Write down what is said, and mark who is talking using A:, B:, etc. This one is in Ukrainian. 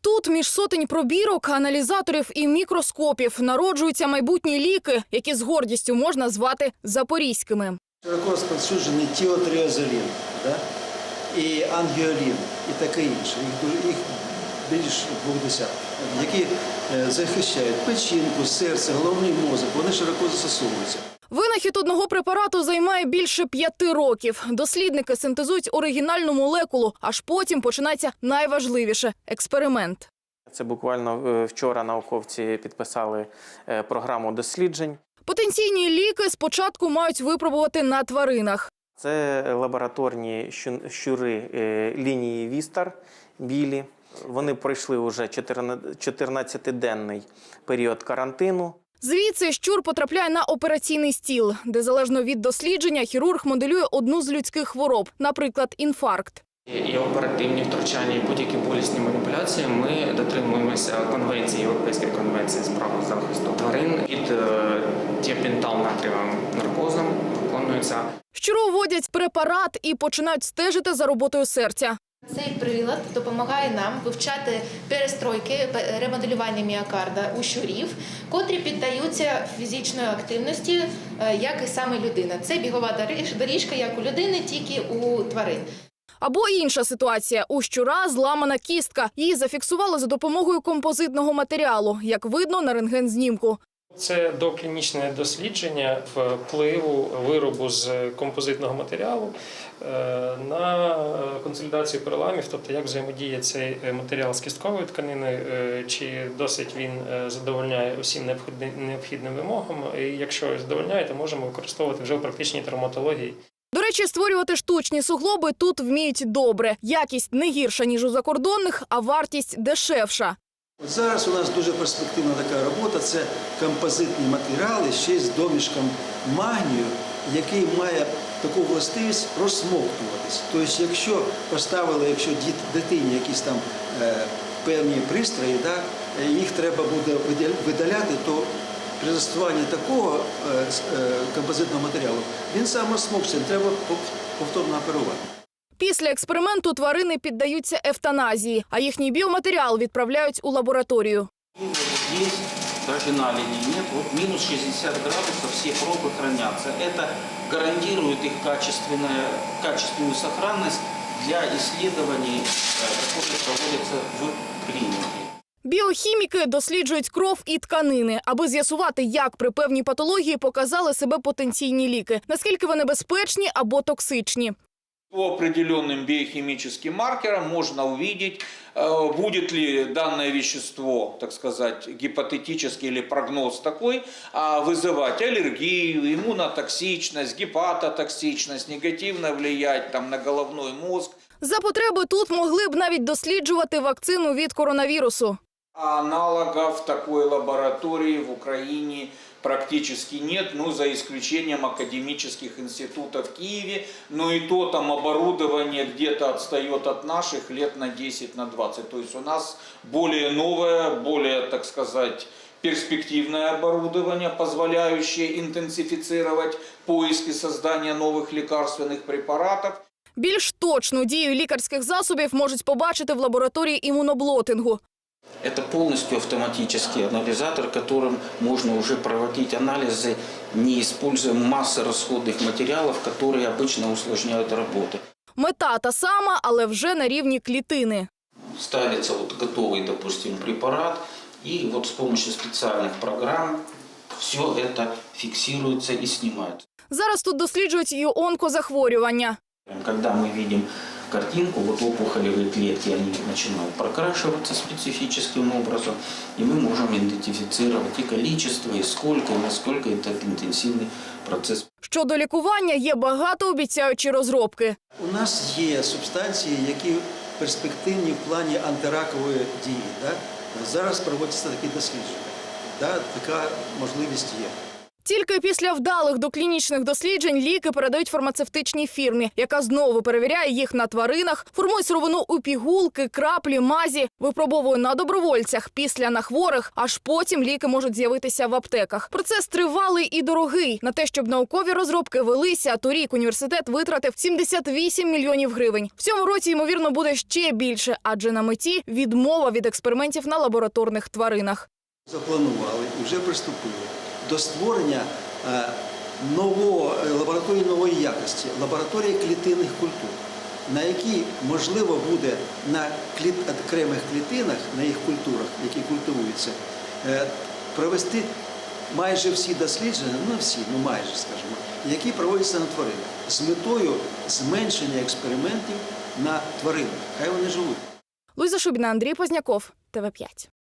A: Тут між сотень пробірок, аналізаторів і мікроскопів народжуються майбутні ліки, які з гордістю можна звати запорізькими.
B: Широко розповсюджений тіотриазолін, і ангіолін, і таке інше. Їх більш 200, які захищають печінку, серце, головний мозок. Вони широко застосовуються.
A: Винахід одного препарату займає більше 5 років. Дослідники синтезують оригінальну молекулу, аж потім починається найважливіше – експеримент.
C: Це буквально вчора науковці підписали програму досліджень.
A: Потенційні ліки спочатку мають випробувати на тваринах.
C: Це лабораторні щури лінії Вістар, білі. Вони пройшли вже 14-денний період карантину.
A: Звідси щур потрапляє на операційний стіл, де залежно від дослідження хірург моделює одну з людських хвороб, наприклад, інфаркт.
D: І оперативні втручання, і будь-які болісні маніпуляції ми дотримуємося конвенції, Європейської конвенції з прав захисту тварин. Під тіопентал-натрієвим наркозом виконується.
A: Щуру вводять препарат і починають стежити за роботою серця.
E: Цей прилад допомагає нам вивчати перестройки, ремоделювання міокарда у щурів, котрі піддаються фізичної активності, як і саме людина. Це бігова доріжка, як у людини, тільки у тварин.
A: Або інша ситуація. У щура зламана кістка. Її зафіксували за допомогою композитного матеріалу, як видно на рентген-знімку.
F: Це доклінічне дослідження впливу виробу з композитного матеріалу на консолідацію переламів, тобто як взаємодіє цей матеріал з кістковою тканиною, чи досить він задовольняє усім необхідним вимогам. І якщо задовольняє, то можемо використовувати вже в практичній травматології.
A: До речі, створювати штучні суглоби тут вміють добре. Якість не гірша, ніж у закордонних, а вартість дешевша.
B: От зараз у нас дуже перспективна така робота – це композитні матеріали ще з домішком магнію, який має таку властивість розсмоктуватись. Тобто, якщо поставили, дитині якісь там певні пристрої, їх треба буде видаляти, то при застосуванні такого композитного матеріалу він сам розсмокчиться, не треба повторно оперувати.
A: Після експерименту тварини піддаються евтаназії, а їхній біоматеріал відправляють у лабораторію.
G: Здесь даже наледей нет. Вот минус 60 градусов, все пробы хранятся. Это гарантирует их качественную сохранность для исследований, которые проводятся в клинике.
A: Біохіміки досліджують кров і тканини, аби з'ясувати, як при певній патології показали себе потенційні ліки, наскільки вони безпечні або токсичні.
H: По определенным биохимическим маркерам можно увидеть, будет ли данное вещество, так сказать, гипотетический или прогноз такой, вызывать аллергию, иммунотоксичность, гепатотоксичность, негативно влиять на головной мозг.
A: За потреби тут могли б навіть досліджувати вакцину від коронавірусу.
H: Аналогов такой лаборатории в Украине практически нет, за исключением академических институтов в Киеве, но и то там оборудование где-то отстает от наших лет на 10, на 20. То есть у нас более новое, более, так сказать, перспективное оборудование, позволяющее интенсифицировать поиски создания новых лекарственных препаратов.
A: Більш точну дію лікарських засобів можуть побачити в лабораторії імуноблотингу.
G: Это полностью автоматический анализатор, которым можно уже проводить анализы, не используя массы расходных материалов, которые обычно усложняют работу.
A: Мета та сама, але вже на рівні клітини.
G: Ставится готовый, допустим, препарат, и с помощью специальных программ все это фиксируется и снимается.
A: Зараз тут досліджують і онкозахворювання.
G: Когда мы видим картинку, опухолевые клетки, они начинают прокрашиваться специфическим образом, и мы можем идентифицировать и количество, и сколько, и насколько это интенсивный процесс.
A: Щодо лікування є багатообіцяючі розробки.
B: У нас є субстанції, які перспективні в плані антиракової дії. Зараз проводяться такі дослідження. Така можливість є.
A: Тільки після вдалих доклінічних досліджень ліки передають фармацевтичній фірмі, яка знову перевіряє їх на тваринах, формує сировину у пігулки, краплі, мазі, випробовує на добровольцях, після на хворих, аж потім ліки можуть з'явитися в аптеках. Процес тривалий і дорогий. На те, щоб наукові розробки велися, торік університет витратив 78 мільйонів гривень. В цьому році, ймовірно, буде ще більше, адже на меті відмова від експериментів на лабораторних тваринах.
B: Запланували і вже приступили до створення лабораторії нової якості, лабораторії клітинних культур, на якій можливо буде на окремих клітинах, на їх культурах, які культивуються, провести майже всі дослідження, не всі, ну майже, скажімо, які проводяться на тваринах, з метою зменшення експериментів на тваринах. Хай вони живуть.
A: Луїза Шубіна, Андрій Позняков, ТВ5.